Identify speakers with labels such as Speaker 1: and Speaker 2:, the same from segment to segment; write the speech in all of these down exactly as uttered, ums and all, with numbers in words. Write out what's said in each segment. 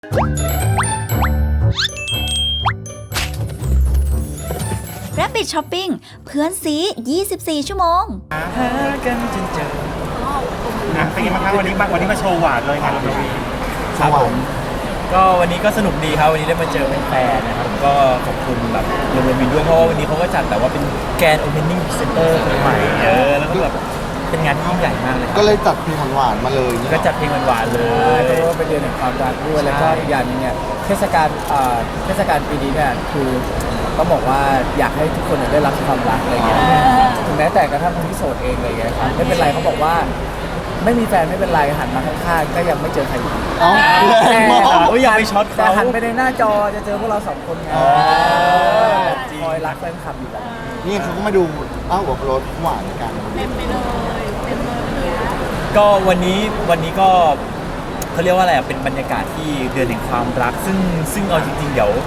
Speaker 1: Rabbit Shopping เพื่อนซียี่สิบสี่ชั่วโมง
Speaker 2: หากันจนเจอนะเป็นยังไงบ้างครับวันนี้มาวันนี้มาโชว์หวานเลยงานเรา
Speaker 3: ครับผม
Speaker 2: ก็วันนี้ก็สนุกดีครับวันนี้ได้มาเจอแฟนๆนะครับก็ขอบคุณแบบโรงเรียนวินด้วยเพราะว่าวันนี้เขาก็จัดแต่ว่าเป็นแกรนด์โอเพนนิ่งเซ็นเตอร์ใหม่เออแล้วก็แบบเป็นงานที่ยิ่งใหญ่มากเลย
Speaker 3: ก็เลยจัดเพลงหวานๆมาเลย
Speaker 2: ก็จัดเพลงหวานๆเลย
Speaker 4: เพราะว่าเป็นเดือนแห่งความรักด้วยแล้วก็อีกอย่างนึงเนี่ยเทศกาลเทศกาลปีนี้เนี่ยคือต้องบอกว่าอยากให้ทุกคนได้รับความรักอะไรเงี้ยถึงแม้แต่กระทั่งคนที่โสดเองอะไรเงี้ยครับไม่เป็นไรเขาบอกว่าไม่มีแฟนไม่เป็นไรหันมาข้างๆก็ยังไม่เจอใครอยู่
Speaker 3: อ๋อ
Speaker 2: แต่อย่าไปช็อต
Speaker 4: แต่
Speaker 2: เขา
Speaker 4: หันไปในหน้าจอจะเจอพวกเราสองคนไงคอยรักแฟนคลับอยู่แล้ว
Speaker 3: นี่เขาก็มาดูอ้าวรถหวานกัน
Speaker 5: เต็มไปเลยเต็มเลย
Speaker 2: ก็วันนี้วันนี้ก็เขาเรียกว่าอะไรอ่ะเป็นบรรยากาศที่เดือนแห่งความรักซึ่งซึ่งเอาจริงๆเดี๋ยว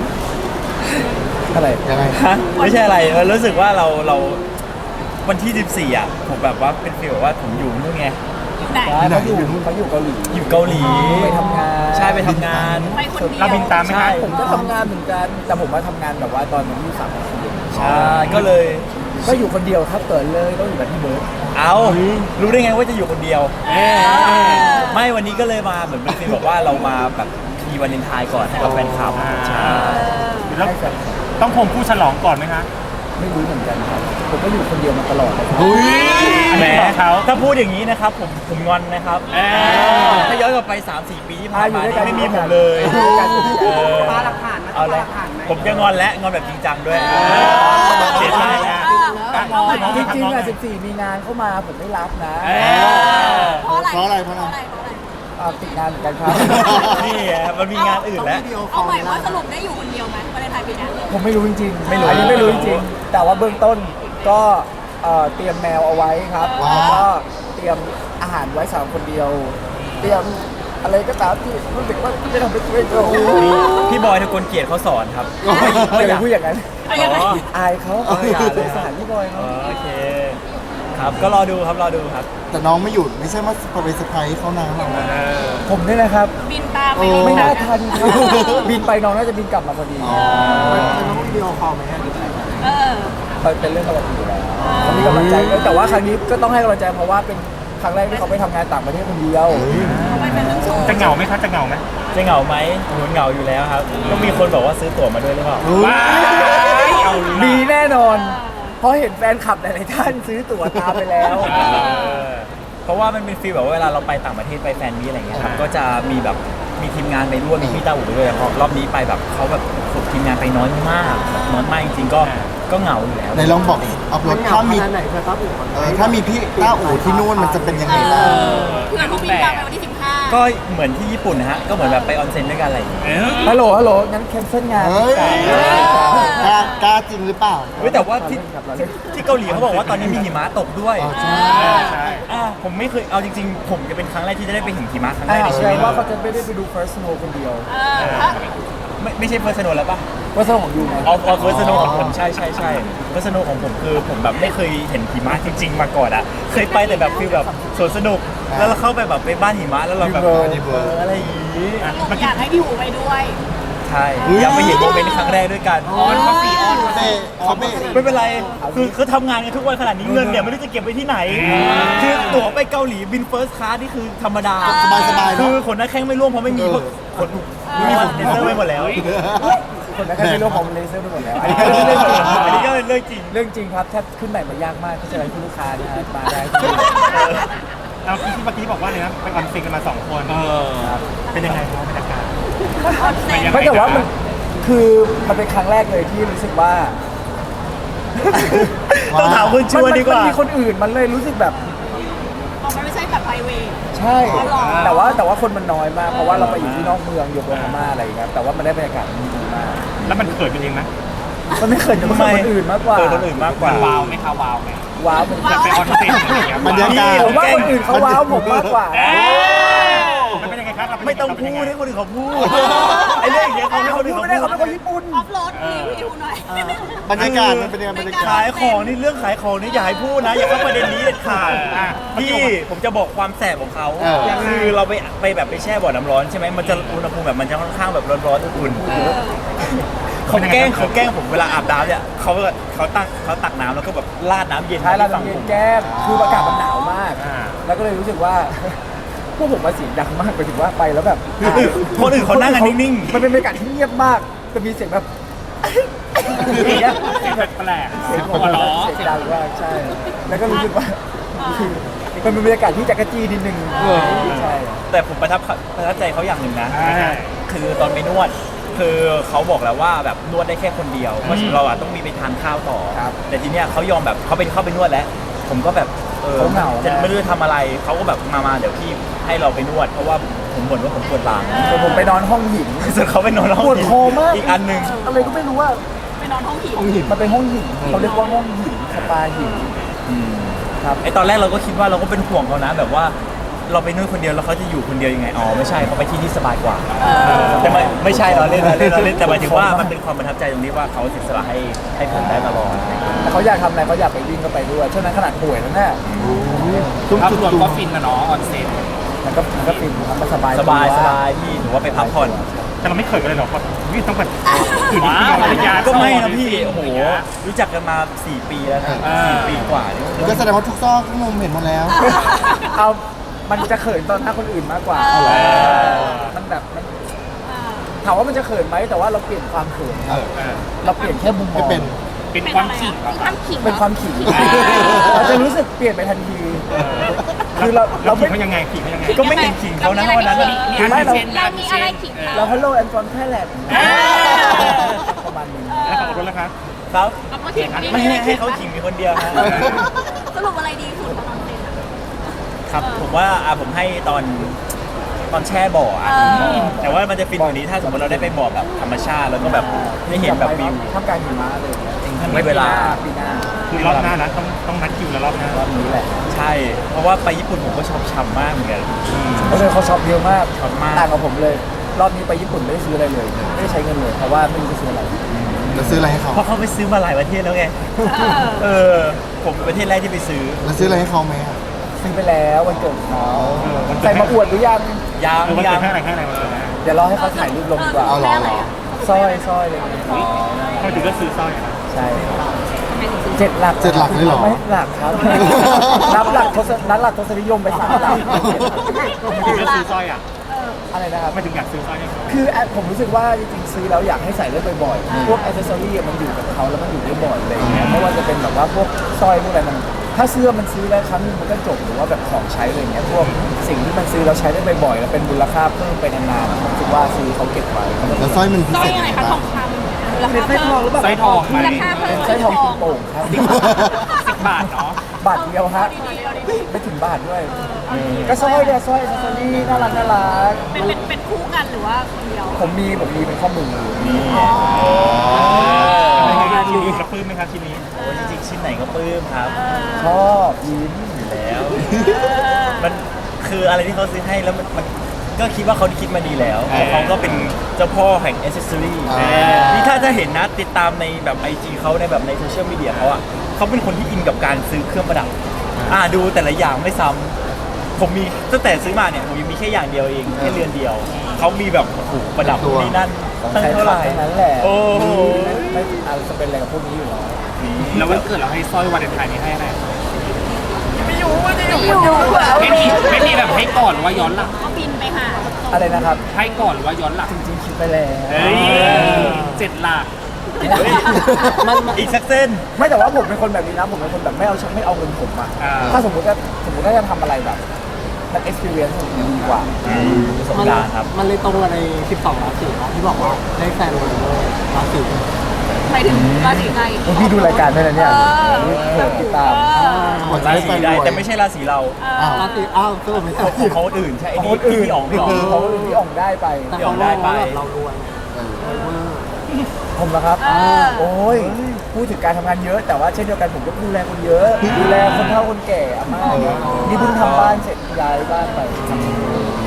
Speaker 4: อะไร
Speaker 3: ยังไง
Speaker 2: ฮะไม่ใช่อะไรรู้สึกว่าเราเราวันที่สิบสี่อ่ะผมแบบว่าเป็นฟีลแบบว่าผมอยู่นู่นไง
Speaker 5: อยู่ไหน
Speaker 4: เขาอยู่เขาอยู่เกาหลี
Speaker 2: อยู่เกาหลี
Speaker 4: ไปทำงาน
Speaker 2: ใช่ไปทำงาน
Speaker 5: ไปคนเดียว
Speaker 2: เราบินตามไหมครับ
Speaker 4: ผมก็ทำงานเหมือนกันแต่ผมมาทำงานแบบว่าตอนนี้สามปี
Speaker 2: ใช่ก็เลย
Speaker 4: ก็อยู่คนเดียวครับเปิดเลยต้องอยู่แบบที่เบิร์ด
Speaker 2: เอารู้ได้ไงว่าจะอยู่คนเดียวไม่วันนี้ก็เลยมาเหมือนเป็นฟีลบอกว่าเรามาแบบมีวันเลนไทน์ก่อนให้กับแฟนคลับใช่
Speaker 4: แล้ว
Speaker 2: ต้องคงผู้ฉลองก่อนไหมคะ
Speaker 4: ไม่รู้เหมือนกันครับผมก็อยู่คนเดียวมาตลอดเลยครับ
Speaker 2: แหมถ้าพูดอย่างนี้นะครับผมผมงอนนะครับถ้าย้อนกลับไป สามสี่ ปีที่ผ่านมาไม่มีผมเลย
Speaker 5: ปาหลักฐาน
Speaker 2: เอาละผมจะงอนและงอนแบบจริงจังด้วยเสียใจนะ
Speaker 4: จริงๆอ่ะสิบสี่มีงานเข้ามาผมไม่รับนะ
Speaker 5: เพราะอะไร
Speaker 3: เพราะอะไรเพราะอะไร
Speaker 4: ติดงานเหมือนกันครับ
Speaker 2: นี่มันมีงานอื่นแล้ว
Speaker 5: เอาใหม่ว่าสรุปได้อยู่คนเดียวไหมวันเลนไทน์ปีนี้
Speaker 4: ผมไม่รู้จริงๆไม่รู้อันนี้ไม่รู้จริงๆแต่ว่าเบื้องต้นก็เตรียมแมวเอาไว้ครับแล้วก็เตรียมอาหารไว้สำหรับคนเดียวเตรียมอะไรก็ตามที่รู้สึกว่าจะทำเป็นตัวเอง
Speaker 2: พี่บอยทะกลเกียรติเขาสอนครับ
Speaker 4: ไม่อยากพูดอย่างนั้นอายเขา
Speaker 2: อาย
Speaker 4: สงสารพี่บอยเขา
Speaker 2: โอเคครับก็รอดูครับรอดูครับ
Speaker 3: แต่น้องไม่หยุดไม่ใช่ว่าไปเซอร์ไพรส์เขานะ
Speaker 4: ผมนี่นะครับ
Speaker 5: บินตามไป
Speaker 4: ไม่น่าทันครับบินไปน้องน่าจะบินกลับมาพอดี
Speaker 3: เป็นน้องวิดีโอคอลไหมฮะ
Speaker 5: เออ
Speaker 4: เป็นเรื่องปกติอยู่แล้วเขามีกำลังใจแต่ว่าครั้งนี้ก็ต้องให้กำลังใจเพราะว่าเป็นครั้งแรกที่เขาไปทำงานต่างประเทศคนเดียว
Speaker 2: จะเหงาไหมครับจะเหงาไหมจะเหงาไหมโหเหงาอยู่แล้วครับก็มีคนบอกว่าซื้อตั๋วมาด้วยหรือเปล่า
Speaker 4: มีแน่นอนเพราะเห็นแฟนคลับหลายๆท่านซื้อตั๋วตามไปแล้ว
Speaker 2: เพราะว่ามันเป็นฟีลแบบว่าเวลาเราไปต่างประเทศไปแฟนมีอะไรเงี้ยครับก็จะมีแบบมีทีมงานไปร่วมมีพี่ตาอู่ไปด้วยเพราะรอบนี้ไปแบบเขาแบบฝึกทีมงานไปน้อยมากน้อยมากจริงๆก็ก็เหงาอยู่แล้ว
Speaker 3: ในลองบอกอัพโหลดถ้ามีถ้ามีพี่ต้าอู่ที่นู่นมันจะเป็นยังไงบ้าง
Speaker 5: เพื่อนเขาบินตามไปวันที่สิบห้า
Speaker 2: ก็เหมือนที่ญี่ปุ่นนะฮะก็เหมือนแบบไปออนเซ็นด้วยกันอะไรอย่างเงี้ย
Speaker 4: ฮัลโหลฮัลโหลงั้นแคนเซิลงาน
Speaker 3: กล้าจริงหรือเปล่า
Speaker 2: แต่ว่าที่ที่เกาหลีเขาบอกว่าตอนนี้มีหิมะตกด้วยใช่ใช่ผมไม่เคยเอาจริงๆผมจะเป็นครั้งแรกที่จะได้ไปเห็นหิมะครั้งแรกในชีวิต
Speaker 4: ว่าเขาจะไม่ได้ไปดู First Snow คนเดียว
Speaker 2: ไม่ไม่ใช่ First Snow แล้วป่ะ
Speaker 4: First Snow ของยูไง
Speaker 2: อ๋อ First Snow ของผมใช่ใช่ใช่ First Snow ของผมคือผมแบบไม่เคยเห็นหิมะจริงๆมาก่อนอ่ะเคยไปแต่แบบฟีลแบบสวนสนุกแล้วเราเข้าไปแบบไปบ้านหิมะแล้วเราแบบอะไรอย่างงี้
Speaker 5: อยากให้พี่หูไปด้วย
Speaker 2: ใช่อยากไปเห็นโมเมนต์ครั้งแรกด้วยกัน
Speaker 3: อ๋อเขาปีออนเซ่เขาไม่
Speaker 2: ไม่เป็นไรคือเขาทำงานกันทุกวันขนาดนี้เงินเนี่ยไม่รู้จะเก็บไว้ที่ไหนคือตั๋วไปเกาหลีบินเฟิร์สคลาสนี่คือธรรมดา
Speaker 3: สบายๆ
Speaker 2: คือขนหน้าแข้งไม่ร่วงเพราะไม่มีคนไม่มีคนเลเซอร์ไปหมดแล้ว
Speaker 4: คนนั้นก็เป็นเรื่องของเลเซอร์ไปหมดแล้วอัน
Speaker 2: นี้ก็เป็นเรื่องจริง
Speaker 4: เรื่องจริงครับแทบขึ้นใหม่มายากมากที่จะให้ลูกค้าเนี่ยมาได้
Speaker 2: เราที่เมื่อกี้บอกว่าเนี่ยไปออนเซ็นกันมาสองคนเป็นยังไงครับบรรยากาศ
Speaker 4: ไม่แต่ว่ามันคือมันเป็นครั้งแรกเลยที่รู้สึกว่า
Speaker 2: ต้องถามคุณชวนดีกว่า
Speaker 4: มันมีคนอื่นมันเลยรู้สึกแบบ
Speaker 5: มันไม่ใช่แบบไพรเวท
Speaker 4: ใช่แต่ว่าแต่ว่าคนมันน้อยมากเพราะว่าเราไปอยู่ที่นอกเมืองโยโกฮาม่าอะไรอย่างเงี้ยแต่ว่ามันได้บรรยากาศดีมาก
Speaker 2: แล้วมันเกิดเป็นเองไหม
Speaker 4: มันไม่เกิดจากคนอื่นมากกว่า
Speaker 2: เกิดคนอื่นมากกว่าว้าวไหมคะว้าวไหม
Speaker 4: ว้าวเหมือน
Speaker 2: กันไปออนเซ็นอย่างเงี้ย
Speaker 3: บรรยากาศ
Speaker 4: ผมว่าคนอื่นเขาว้าวผมมากกว่า
Speaker 2: มันเป็นยังไงไม่ต้องพูดให้คนอื่นเขาพูดไอ้เรื่องอย่างเงี้ยเขาไม่คนอื่นเขา
Speaker 4: ไม่ได้เขา
Speaker 2: พู
Speaker 4: เป็น
Speaker 2: ด
Speaker 4: คนญี่ปุ่น
Speaker 5: ออฟโรดรีวิวหน่อย
Speaker 3: บรรยากาศมันเป็นยังไงบรรยากาศ
Speaker 2: ขายของนี่เรื่องขายของนี่อย่าให้พูดนะอย่าเข้าประเด็นนี้เด็ดขาดพี่ผมจะบอกความแสบของเขา
Speaker 3: เออ
Speaker 2: คือเราไปไปแบบไปแช่บ่อน้ำร้อนใช่ไหมมันจะอุณหภูมิแบบมันจะค่อนข้างแบบร้อนๆอุ่นๆเขาแกล้งเขาแกล้งผมเวลาอาบน้ำเนี่ยเขาเขาตักเขาตักน้ำแล้วก็แบบราดน้ำเย็น
Speaker 4: ใช่เรา
Speaker 2: ฝั่ง
Speaker 4: เย็
Speaker 2: ผ
Speaker 4: น
Speaker 2: ม
Speaker 4: แก้มคืออากาศมันหนาวมาก แล้วก็เลยรู้สึกว่า พวกผมมาเสียงดังมากไปถึงว่าไปแล้วแบบ
Speaker 2: คนอื่นเขานั่งกันนิ่งๆ
Speaker 4: มันเป็นบรรยากาศที่เงียบมากจะมีเสียงแบบอย่างเงี้ย
Speaker 6: เสียงแปลก
Speaker 4: เสียง
Speaker 6: หัวเราะ
Speaker 4: เสียงดังมากใช่ แล้วก็รู้สึกว่ามันเป็นบรรยากาศที่จักรจี้นิดนึงใช่
Speaker 2: แต่ผมประทับประทับใจเขาอย่างหนึ่งนะ
Speaker 6: อ่า
Speaker 2: คือตอนไปนวด คือเขาบอกแล้วว่าแบบนวดได้แค่คนเดียว เพราะฉะนั้นเราอะต้องมีไปทานข้าวต่อ แต่ทีเนี้ยเขายอมแบบเขาไปเข้าไปนวดแล้ว ผมก็แบบเออ
Speaker 4: เขาเหงา
Speaker 2: จะไม่รู้จะทำอะไร เขาก็แบบมามาเดี๋ยวพี่ให้เราไปนวด เพราะว่าผมบ่นว่าผมปวดหลัง
Speaker 4: แต่ผมไปนอนห้องหิน
Speaker 2: ส่วนเขาไปนอนห้อง
Speaker 4: ปวดคอมาก
Speaker 2: อีกอันหนึ่ง
Speaker 4: อะไรก็ไม่รู้ว่า
Speaker 5: ไปนอนห้องผี
Speaker 4: มันเป็นห้องหินเขาเรียกว่าห้องหินสปาหินครับ
Speaker 2: ไอตอนแรกเราก็คิดว่าเราก็เป็นห่วงเขานะ แบบว่าเราไปนวดคนเดียวแล้วเขาจะอยู่คนเดียวยังไง อ๋อไม่ใช่เขาไปที่ที่สบายกว่า แต่ไม่ไม่ใช่เราเล่นเราเล่นเราเล่นแต่หมายถึงว่ามันเป็นความประทับใจตรงที่ว่าเขาเสียสละให้ให้ผมได้ตลอด
Speaker 4: แต่เขาอยากทำอะไรเขาอยากไปวิ่งก็ไปด้วยช่วงนั้นขนาดป่วยแล้วเนี่ย
Speaker 6: ภาพรวมก็ฟินนะเนาะออนเซ็น
Speaker 4: มันก็มันก็ฟินครับมันสบาย
Speaker 2: สบายสบายพี่ถือว่าไปพักผ่อน
Speaker 6: แต่เราไม่เคยกันเลยหรอกเพราะวิ่งต้องแบบอยู่ดีๆภรรยา
Speaker 2: ก็ไม่นะพี่โอ้โหรู้จักกันมาสี่ปีแล้วนะสี่ปีกว่านี่
Speaker 3: ก็แสดงว่าทุกซอกทุกมุมเห็นหมดแล้ว
Speaker 4: เอามันจะเขินตอนหน้าคนอื่นมากกว่ามันแบบมันถามว่ามันจะเขินไหมแต่ว่าเราเปลี่ยนความเขิน
Speaker 3: เออ
Speaker 4: เราเปลี่ยนแค่มุมมอง
Speaker 3: ไม่เป็น
Speaker 6: เป็นความขิงเหรอ
Speaker 5: ความขิง
Speaker 4: เป็นความขิงเราจะรู้สึกเปลี่ยนไปทันที คือเรา
Speaker 6: เรา
Speaker 4: เรา
Speaker 6: ขิ
Speaker 4: ไม่
Speaker 6: งเขายังไงขิงเขายังไง
Speaker 2: ก็ไม่เห็นขิงเขานะวันนั้น
Speaker 6: มีอันเช่น
Speaker 5: เรามีอะไรขิง
Speaker 4: เราฮัลโหลแอนฟอนแค่แหลมประมาณนี้
Speaker 6: แล้วฝั่งรถแล้วครับ
Speaker 2: ครับ
Speaker 5: เอามาขิง
Speaker 2: ไม่ให้ให้เขาขิงมีคนเดียวนะ
Speaker 5: สรุปอะไรดีสุดตอนเซ็นอะ
Speaker 2: ครับผมว่าอ่ะผมให้ตอนตอนแช่บ่ออ่ะ
Speaker 5: เออ
Speaker 2: แต่ว่ามันจะฟินกว่านี้ถ้าสมมติเราได้ไปบ่อแบบธรรมชาติแล้วก็แบบได้เห็นแบบวิว
Speaker 4: ท่ามกลางหิมะเลย
Speaker 2: ถ้ามีเวลา
Speaker 4: ปีหน้า
Speaker 6: คือรอบหน้านะต้องต้องนัดคิวแล้วรอบหน้าร
Speaker 4: อบนี้แหละ
Speaker 2: ใช่ เพราะว่าไปญี่ปุ่นผมก็ชอบช้ำมากเหมือนกัน
Speaker 4: เพราะเลยเขาช็อปเยอะมาก
Speaker 2: ช็อปมาก
Speaker 4: ต่างกับผมเลย รอบนี้ไปญี่ปุ่นไม่ได้ซื้ออะไรเลย ไม่ได้ใช้เงินเลยเพราะว่าไม่รู้จะซื้ออะไร
Speaker 3: แล้วซื้ออะไรให้เขา
Speaker 2: เพราะเขาไปซื้อมาหลายประเทศแล้วไง เออ ผมเป็นประเทศแรกที่ไปซื้อ
Speaker 3: แล้วซื้ออะไรให้เขาไหมอะ
Speaker 4: ซื้อไปแล้ววันเกิดเขาใส่มาอวดหรือยัง
Speaker 2: ยาง
Speaker 6: เออมัน
Speaker 2: ยา
Speaker 6: เกิ
Speaker 2: ง
Speaker 6: ดแค่ไหนแค่ไหนมาเลยนะ
Speaker 4: เดี๋ยวรอให้เขาถ่ายรูปลงดีกว่า
Speaker 3: เอาเหรอเหรอ
Speaker 4: สร้อยสร้อยอะไรอย่างเงี้ย
Speaker 6: ทำไมถึงก็ซื้อสร้อยอะ
Speaker 4: ใช่เจ็ดหลัก
Speaker 3: เจ็ดหลักเลยเหรอ
Speaker 4: ไม่หลักครับ นับหลักทศนับหลักทศนิยมไปสามหลัก
Speaker 6: ทำไมถึงก็ซื้อสร้อยอ่ะ
Speaker 4: อะไรนะครับ
Speaker 6: ทำไมถึงอยากซื้อสร้อยให้เขา
Speaker 4: คือแอดผมรู้สึกว่าจริงๆซื้อแล้วอยากให้ใส่ได้บ่อยๆ พวกอ c เซสซอรี่มันอยู่กับเขาแล้วมันอยู่ได้บ่อยอะไรอย่างเงี้ยไม่ว่าจะเป็นแบบว่าพวกสร้อยพวกอะไรมัน ถ้าเสื้อมันซื้อแล้วครั้งนึงมันก็จบหรือว่าแบบของใช้อะไรเงี้ยพวกสิ่งที่มันซื้อเราใช้ได้บ่อยๆแล้วเป็นมูลค่าเพิ่มไปนานๆผมคิดว่าซื้อเขาเก็บไว้
Speaker 3: แล้วสร้อยมันพิ
Speaker 5: สร้อ
Speaker 3: เศ
Speaker 5: ย
Speaker 3: ษ
Speaker 5: อะ
Speaker 3: ยัง
Speaker 5: ไร
Speaker 3: ไง
Speaker 5: คะท
Speaker 3: บ้า
Speaker 5: อง งคำราคา
Speaker 4: เป็นสร้อยทองหรือเปล่า
Speaker 6: สร้อยทองไหม
Speaker 5: ราคาเพิ่ม
Speaker 4: สร้อยทองกินโป่งครับ
Speaker 6: สิบบาทเนาะ
Speaker 4: บาทเดียวฮะไม่ถึงบาทด้วย ก็สร้อยเนี่ยสร้อยอ c เซสซอรี่น่ารักน่ารัก
Speaker 5: เป็นเป็นเป็นคู่กันหรือว่าคนเดียว
Speaker 4: ผมมีผมมีเป็นข้อมือนี่
Speaker 6: เป็นไงบ้างชิ้นนี้กระปื้มไหมครับชิ้นนี้
Speaker 2: โอ้ยจริงๆชิ้นไหนก็ปลื้มครับ
Speaker 4: ชอบยิ้ม
Speaker 2: อยู่แล้ว มันคืออะไรที่เขาซื้อให้แล้วมันมันก็คิดว่าเขาคิดมาดีแล้วเพราะเขาก็เป็นเจ้าพ่อแห่งอ c เซสซอรี่
Speaker 3: อ่า
Speaker 2: นี่ถ้าจะเห็นนะติดตามในแบบไอจีเขาในแบบในโซเชียลมีเดียเขาอะเขาเป็นคนที่อินกับการซื้อเครื่องประดับ อ่าดูแต่ละอย่างไม่ซ้ำผมมีตั้งแต่ซื้อมาเนี่ยผมยังมีแค่อย่างเดียวเองแค่เรือนเดียว เขามีแบบโอ้โหประดับนู่นนี่นั่น
Speaker 4: ของ
Speaker 2: ตั้ง
Speaker 4: ใช้
Speaker 2: เท่าไหร่
Speaker 4: ทั้งนั้นแหละ
Speaker 2: โอ้โห
Speaker 4: ไม่อาจจะเป็นอะไรกับพวกนี้อยู่แล้ว
Speaker 6: แล้ววันเกิดเราให้สร้อยวันเลนไทน์นี้ให้อะไร
Speaker 5: ไม่อยู่
Speaker 6: ไม่มีไม่มีแบบให้ก่อนหรือว่าย้อนหลัง
Speaker 5: ก็บินไปหา
Speaker 4: อะไรนะครับ
Speaker 6: ให้ก่อนหรือว่าย้อนหลัง
Speaker 4: จริงๆคิดไปแล้ว
Speaker 6: เฮ้ยเจ็ดหลัก
Speaker 4: มันมัน
Speaker 2: อีกสักเส้น
Speaker 4: ไม่แต่ว่าผมเป็นคนแบบนี้นะผมเป็นคนแบบไม่เอาไม่เอาเงินผมอะ
Speaker 6: อ่า
Speaker 4: ถ้าสมมติว่าสมมติว่าจะทำอะไรแบบมัน experience ผมดีกว่า
Speaker 2: ประสบการณ์ครับ
Speaker 7: มันเลยตรงกับใน สิบสอง ราศีเนาะที่บอกว่าได้แฟนวันราศี
Speaker 5: ไปถึงราศีไหน
Speaker 4: โอ้พี่ดูรายการด้วยนะเนี่ย
Speaker 5: เออ
Speaker 4: เปิดติดตาม
Speaker 3: หัวใจ
Speaker 2: รา
Speaker 3: แฟ
Speaker 2: ศี
Speaker 3: น
Speaker 2: ใด
Speaker 3: รวย
Speaker 2: แต่ไม่ใช่ราศีเรา
Speaker 3: อ้าว
Speaker 7: ราศีอ้าวก็ไม่ใช่
Speaker 2: ของเขาคนอื่นใช่ไอ้
Speaker 4: ของ
Speaker 2: นี่
Speaker 4: คนอื่น
Speaker 2: พี่อ๋องพี่อ๋อง
Speaker 4: ของคนอื่นพี่อ่องได้ไป
Speaker 7: แต่เขามองว่าแบบเรารวย
Speaker 3: เออ
Speaker 7: รวยเวอร์
Speaker 4: ผมนะครับ
Speaker 5: เออ
Speaker 4: โอ้ยพูดถึงการทำงานเยอะ แต่ว่าเช่นเดียวกันผมก็ดูแลคนเยอะ ดูแลคนเฒ่าคนแก่อาม่าเนี่ยนี่เพิ่งทำบ้านเสร็จย้ายบ้านไป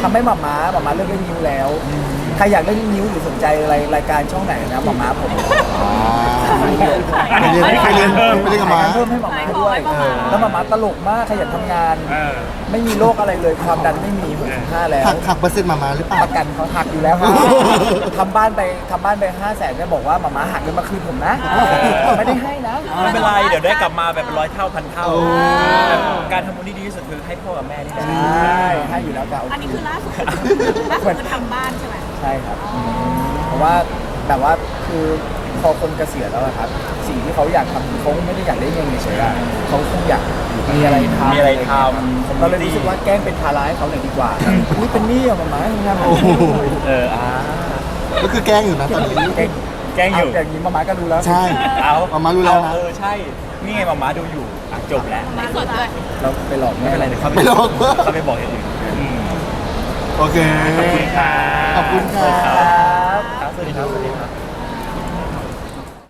Speaker 4: ทำให้หมาม้าหมาม้าเลิกเล่นนิ้วแล้วใครอยากเล่นนิ้วหรือสนใจอะไรรายการช่องไหนนะหมาม้าผม
Speaker 3: ไปเรียนไปเรียนไปเรียนกับหมา
Speaker 4: เพิ่มให้หมาม้าด้วย
Speaker 5: ขายของให้หมาม้า
Speaker 4: แล้วหมาม้าตลกมากขยันทำงาน
Speaker 6: เออ
Speaker 4: ไม่มีโรคอะไรเลยความดันไม่มีหกสิบห้าแล้ว
Speaker 3: หักหักเปอร์เซ็นต์มามาหรือเปล่า
Speaker 4: ประกันเขาหักอยู่แล้วครับทำบ้านไปทำบ้านไปห้าแสนเนี่ยบอกว่าหมาม้าหักเงินมาคืนผมนะไม่ได้ให้นะ
Speaker 2: ไม่เป็นไรเดี๋ยวได้กลับมาแบบเป็นร้อยเท่าพันเท่า
Speaker 3: โอ้
Speaker 2: การทำบุญที่ดีที่สุดคือให้พ่อกับแม่นี่แหละ
Speaker 4: ใช่ให้อยู่แล้วกับ
Speaker 5: อันนี้คือล่าสุดล่าสุดคือทำบ้านใช่ไหม
Speaker 4: ใช่ครับเพราะว่าแบบว่าคือพอคนเกษียณแล้วอะครับ สิ่งที่เขาอยากทำเขาไม่ได้อยากได้เงินเฉยๆอะเขาคงอยากมีอะไรทำ
Speaker 2: มีอะไรทำ
Speaker 4: ผมก็เลยรู้สึกว่าแกล้งเป็นภาระให้เขาหน่อยดีกว่าอุ้ยเป็นหนี้อะหมาม้าทำงาน
Speaker 3: โอ้โห
Speaker 2: เอออ่า
Speaker 3: ก็คือแกล้งอยู่นะตอนนี้
Speaker 4: แกล้ง
Speaker 2: แกล้งอยู่
Speaker 4: เาอย่างนี้หมาม้าก็รู้แล้ว
Speaker 3: ใช่
Speaker 2: เอา
Speaker 3: หมาม้ารู้แล้วนะ
Speaker 2: เออใช่ นี่ไงหมาม้าดูอยู่อ่ะจบแล้ว
Speaker 5: ไม่สดด้วย
Speaker 4: เราไปหลอก
Speaker 2: ไม่
Speaker 4: แม่
Speaker 2: เป็นไรเดี๋ยวเขา
Speaker 3: ไม่หรอก
Speaker 2: เขาไปบอกอย่างอื่น
Speaker 3: โอเค
Speaker 6: ขอบคุณค่ะ
Speaker 3: ขอบคุณค่ะ
Speaker 4: ครับ
Speaker 2: ครับสวัสดีครับสวัสดีครับ